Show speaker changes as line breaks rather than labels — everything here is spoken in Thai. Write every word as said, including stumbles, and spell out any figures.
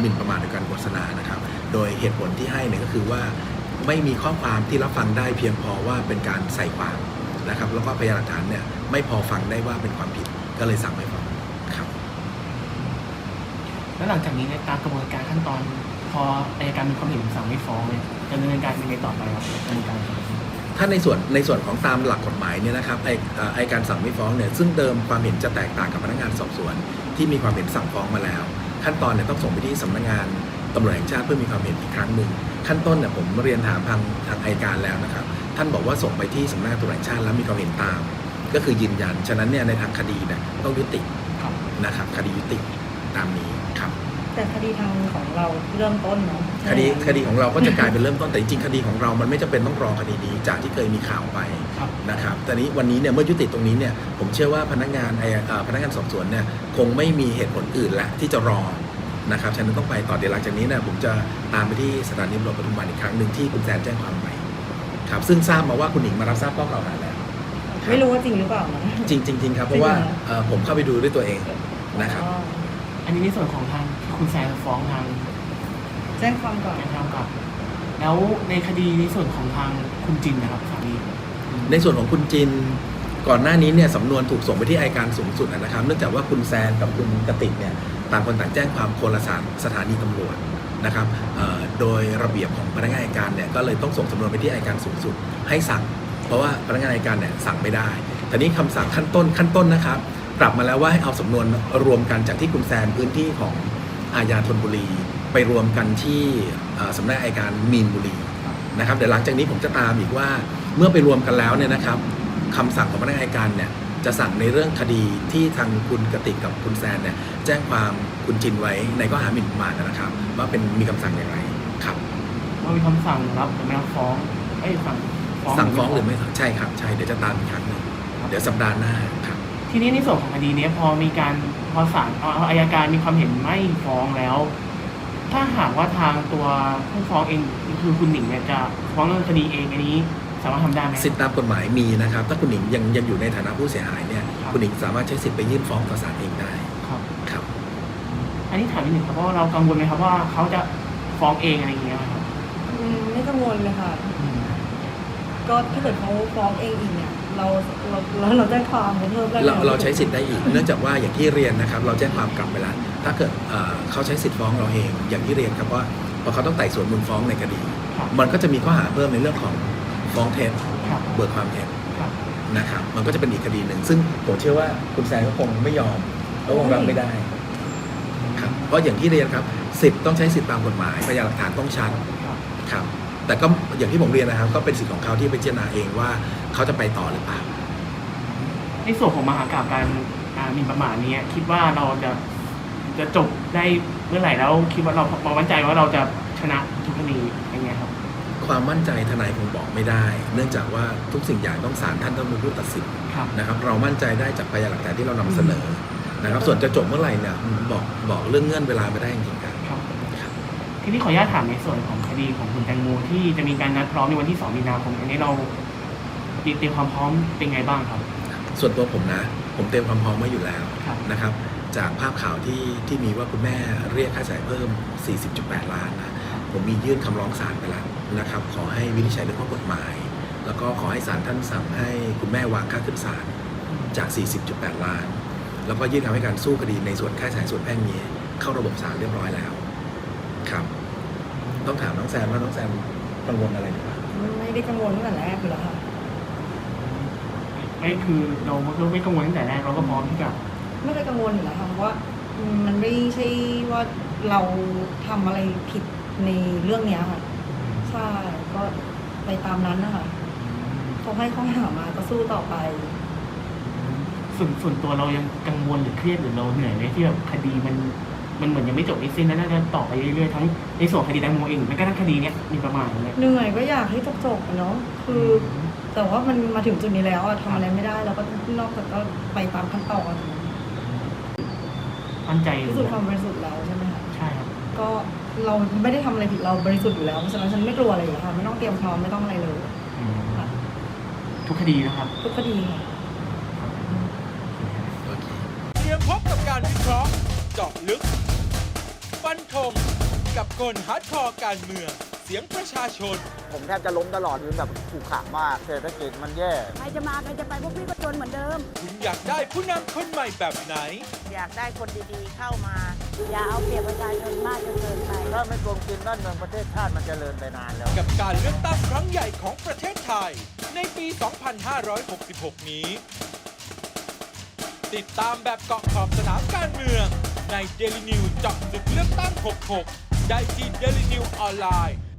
หมิ่นประมาทโดยการโฆษณานะครับโดยเหตุผลที่ให้เนี่ยก็คือว่าไม่มีข้อความที่รับฟังได้เพียงพอว่าเป็นการใส่ความนะครับแล้วก็พยานหลักฐานเนี่ยไม่พอฟังได้ว่าเป็นความผิดก็เลยสั่งไม่ฟ้องครับ
แล้วหลังจากนี้ในตามกระบวนการขั้นตอนพออัยการมีความเห็นสั่งไม่ฟ้องเนี่ยจะดำเนินการยังไงต่อไปครับดำเนินการ
ถ้าในส่วนในส่วนของตามหลักกฎหมายเนี่ยนะครับไอ้ไอ้การสั่งไม่ฟ้องเนี่ยซึ่งเดิมความเห็นจะแตกต่างกับพนักงานสอบสวนที่มีความเห็นสั่งฟ้องมาแล้วขั้นตอนเนี่ยต้องส่งไปที่สำนักงานตำรวจแห่งชาติเพื่อมีความเห็นอีกครั้งหนึ่งขั้นต้นเนี่ยผมเรียนถามทางทางอัยการแล้วนะครับท่านบอกว่าส่งไปที่สำนักงานตำรวจแห่งชาติแล้วมีความเห็นตามก็คือยืนยันฉะนั้นเนี่ยในทางคดีเนี่ยต้องยุตินะครับคดียุติตามนี้ครับ
แต่คดีทางของเราเริ่มต้นเนาะ
คดีคดีของเราก็จะกลายเป็นเริ่มต้นแต่จริงๆคดีของเรามันไม่จำเป็นต้องรอคดีนี้จากที่เคยมีข่าวไปนะครับแต่นี้วันนี้เนี่ยเมื่อยุติตรงนี้เนี่ยผมเชื่อว่าพนักงานไอ้พนักงานสอบสวนเนี่ยคงไม่มีเหตุผลอื่นและที่จะรอนะครับฉะนั้นต้องไปต่อเดี๋ยวหลังจากนี้เนี่ยผมจะตามไปที่สถานีตำรวจปทุมวันอีกครั้งหนึ่งที่คุณแซนแจ้งความไปครับซึ่งทราบมาว่าคุณหญิงมารับทราบข้อกล่าวหาแล้ว
ไม่รู้ว่าจริงหรือเปล่านะ
จริงจริงๆครับเพราะว่าผมเข้าไปดูด้วยตัวเองนะครับ
อันนี้ในส่วนของทางคุณแซนฟ้องทาง
แจ้งความก่อน
แจ้งความก่อนแล้วในคดีในส่วนของทางคุณจินนะครับสามี
ในส่วนของคุณจินก่อนหน้านี้เนี่ยสำนวนถูกส่งไปที่อัยการสูงสุดนะครับเนื่องจากว่าคุณแซนกับคุณกติกเนี่ยต่างคนต่างแจ้งความคนละสถานีตำรวจนะครับโดยระเบียบของพนักงานอัยการเนี่ยก็เลยต้องส่งสำนวนไปที่อัยการสูงสุดให้สั่งเพราะว่าพนักงานอัยการเนี่ยสั่งไม่ได้แต่นี้คำสั่งขั้นต้นขั้นต้นนะครับปรับมาแล้วว่าให้เอาสำนวนรวมกันจากที่คุณแซนพื้นที่ของอาญาธนบุรีไปรวมกันที่สำนักอัยการมีนบุรีนะครับเดี๋ยวหลังจากนี้ผมจะตามอีกว่าเมื่อไปรวมกันแล้วเนี่ยนะครับคำสั่งของพนักงานอัยการเนี่ยจะสั่งในเรื่องคดีที่ทางคุณกติกกับคุณแซนเนี่ยแจ้งความคุณจินไว้ในข้อหาหมิ่นประมาทนะครับว่าเป็นมีคำสั่งอย่างไรครับ
ว่ามีคำสั่งรับหรือไม่รับฟ้องไอ้สั่ง
ฟ้องสั่งฟ้องหรือไม่ใช่ครับใช่เดี๋ยวจะตามอีกครั้งนึงเดี๋ยวสัปดาห์หน้าครับ
ทีนี้ในส่วนของคดีนี้พอมีการพอศาลอัยการมีความเห็นไม่ฟ้องแล้วถ้าหากว่าทางตัวผู้ฟ้องเองคือคุณหนิงเนี่ยจะฟ้องเรื่องคดีเองอันนี้สามารถทำได้ไหม
สิทธิตามกฎหมายมีนะครับถ้าคุณหนิงยังยังอยู่ในฐานะผู้เสียหายเนี่ยคุณหนิงสามารถใช้สิทธิ์ไปยื่นฟ้องต่อศาลเองได้
ครับ
ครับ
อันนี้ถามนิดหนึ่งครับเพราะเรากังวลไหมครับว่าเขาจะฟ้องเองอะไรอย่างเงี้ยครับ
ไม่กังวลเลยค่ะก็ถ้าเกิดเขาฟ้องเองอีกเนี่ยเราเราเราแจ้งความเพิ่ม
เราเราใช้สิทธิ์ได้อีกเนื่องจากว่าอย่างที่เรียนนะครับเราแจ้งความกลับไปแล้วถ้าเกิดเขาใช้สิทธิ์ฟ้องเราเองอย่างที่เรียนครับว่าพอเขาต้องไต่สวนมูลฟ้องในคดีมันก็จะมีข้อหาเพิ่มในเรื่องของฟ้องเท็จเบิกความเท็จนะครับมันก็จะเป็นอีกคดีหนึ่งซึ่งผมเชื่อว่าคุณแซนก็คงไม่ยอมก็คงรับไม่ได้ครับเพราะอย่างที่เรียนครับสิทธิ์ต้องใช้สิทธิ์ตามกฎหมายพยานหลักฐานต้องชัดครับแต่ก็อย่างที่ผมเรียนนะครับก็เป็นสิทธิ์ของเขาที่ไปพิจารณาเองว่าเขาจะไปต่อหรือเปล่า
ในส่วนของมหากาพย์การหมิ่นประมาทนี้คิดว่าเราจะจะจบได้เมื่อไหร่แล้วคิดว่าเราเรามั่นใจว่าเราจะชนะทุกคดีอย่างเงี้ยครับ
ความมั่นใจทนายคงบอกไม่ได้เนื่องจากว่าทุกสิ่งอย่างต้องศาลท่านต้องเป็นผู้ตัดสินนะครับเรามั่นใจได้จากพยานหลักฐานที่เรานำเสนอนะครับส่วนจะจบเมื่อไหร่เนี่ยบอกบอกเรื่องเงื่อนเวลาไม่ได้จริงๆครับ
ทีนี้ขออนุญาตถามในส่วนของคดีของคุณแตงโมที่จะมีการนัดพร้อมในวันที่สองมีนาคมอันนี้เราเตรียมความพร้อมเป็นไงบ้างครับ
ส่วนตัวผมนะผมเตรียมความพร้อมไว้อยู่แล้วนะครับจากภาพข่าวที่ที่มีว่าคุณแม่เรียกค่าใช้จ่ายเพิ่ม สี่สิบจุดแปด ล้านนะผมมียื่นคำร้องศาลไปแล้วนะครับขอให้วินิจฉัยด้วยข้อกฎหมายแล้วก็ขอให้ศาลท่านสั่งให้คุณแม่วางค่าขึ้นศาลจาก สี่สิบจุดแปด ล้านแล้วก็ยื่นคำให้การสู้คดีในส่วนค่าใช้จ่ายส่วนแพ่งนี้เข้าระบบศาลเรียบร้อยแล้วครับต้องถามน้องแซมว่าน้องแซมกังวลอะไรหรือเปล่า
ไม่ได้กังวลตั้งแต่แรกอยู่แล้วค่ะ
ไม่คือเราไม่กังวลตั้งแต่แรกเราก็พร้อมที่จะ
ไม่ได้กังวลอยู่แล้วค่ะเพราะว่ามันไม่ใช่ว่าเราทำอะไรผิดในเรื่องนี้ค่ะใช่ก็ไปตามนั้นนะคะเขาให้ข้อหามาก็สู้ต่อไป
ส่วนส่วนตัวเรายังกังวลหรือเครียดหรือเราเหนื่อยไหมที่แบบคดีมันมันเหมือนยังไม่จบไม่สิ้นแล้วน่าจะต่อไปเรื่อยๆทั้งในส่วนคดีแตงโมเองแม้กระทั่งคดีเนี้ยมีประมาณเลย
เหนื่อยก็อยากให้จบๆเนาะคือแต่ว่ามันมาถึงจุดนี้แล้วทำอะไรไม่ได้เราก็นอกจากก็ไปตามขั้นตอน
มั่นใจ
พิสูจน์ความบริสุทธิ์แล้วใช่ไหมคะ
ใช่ครับ
ก็เราไม่ได้ทำอะไรผิดเราบริสุทธิ์อยู่แล้วเพราะฉะนั้นฉันไม่กลัวอะไรอยู่แล้วค่ะไม่ต้องเตรียมพร้อมไม่ต้องอะไรเลย
ทุกคดีนะครับ
ทุกคดีค่ะ
เตรียมพบกับการวิเคราะห์เจาะลึกฟันฟันธงกับคนฮาร์ดคอร์การเมืองเสียงประชาชน
ผมแทบจะล้มตลอดคือแบบผูกขาดมากเศรษฐกิจมันแย่
ใครจะมาใครจะไปพวกพี่ก็จนเหมือนเดิม
คุณอยากได้ผู้นำคนใหม่แบบไหน
อยากได้คนดีๆเข้ามา อย่าเอาเปรียบประชาชนมากจนเกินไป
ถ้าไม่โกงกินบ้านเมืองประเทศชาติมันจเจริญไปนานแล้ว
กับการเลือกตั้งครั้งใหญ่ของประเทศไทยในปี สองพันห้าร้อยหกสิบหก นี้ ติดตามแบบเกาะขอบสนามการเมืองใน Daily News เจาะลึกเลือกตั้ง หกสิบหก ได้ที่ Daily News ออนไลน์